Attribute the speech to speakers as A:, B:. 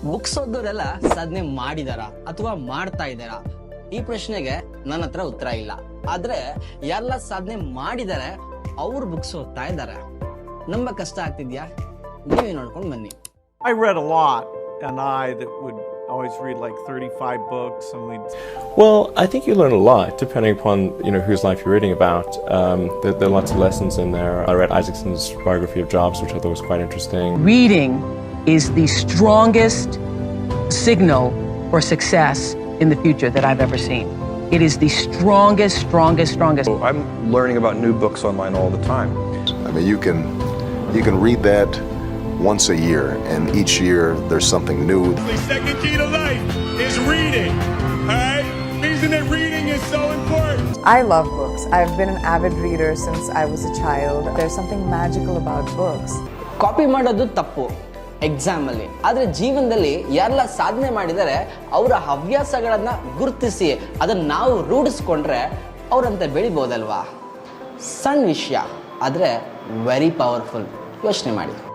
A: Books ಓದೋರೆಲ್ಲ ಸಾಧನೆ ಮಾಡಿದಾರ ಅಥವಾ ಮಾಡ್ತಾ ಇದಾರ? ಈ ಪ್ರಶ್ನೆಗೆ ನನ್ನ ಹತ್ರ ಉತ್ತರ ಇಲ್ಲ. ಆದ್ರೆ ಎಲ್ಲ ಸಾಧನೆ ಮಾಡಿದಾರೆ, ಅವ್ರು ಬುಕ್ಸ್ ಓದ್ತಾ ಇದ್ದಾರೆ. ನಮ್ಮ ಕಷ್ಟ ಆಗ್ತಿದ್ಯಾ? ನೀವೇ ನೋಡ್ಕೊಂಡು ಬನ್ನಿ.
B: I read a lot, and that would always read like 35 books, and
C: Well, I think you learn a lot depending upon whose life you're reading about. There are lots of lessons in there. I read Isaacson's biography of Jobs, which I thought was quite interesting.
D: Reading is the strongest signal for success in the future that I've ever seen. It is the strongest.
E: I'm learning about new books online all the time.
F: I mean, you can read that once a year, and each year there's something new.
G: The second key to life is reading. All right? Reason that reading is so important.
H: I love books. I've been an avid reader since I was a child. There's something magical about books.
A: Copy ಮಾಡೋದು ತಪ್ಪು exam ಅಲ್ಲಿ, ಆದ್ರೆ ಜೀವನದಲ್ಲಿ ಯಾರೆಲ್ಲ ಸಾಧನೆ ಮಾಡಿದರೆ ಅವರ ಹವ್ಯಾಸಗಳನ್ನ ಗುರುತಿಸಿ ಅದನ್ನ ನಾವು ರೂಢಿಸ್ಕೊಂಡ್ರೆ ಅವರಂತೆ ಬೆಳಿಬೋದಲ್ವಾ? ಸಣ್ಣ ವಿಷಯ ಆದ್ರೆ ವೆರಿ ಪವರ್ಫುಲ್. ಯೋಚನೆ ಮಾಡಿ.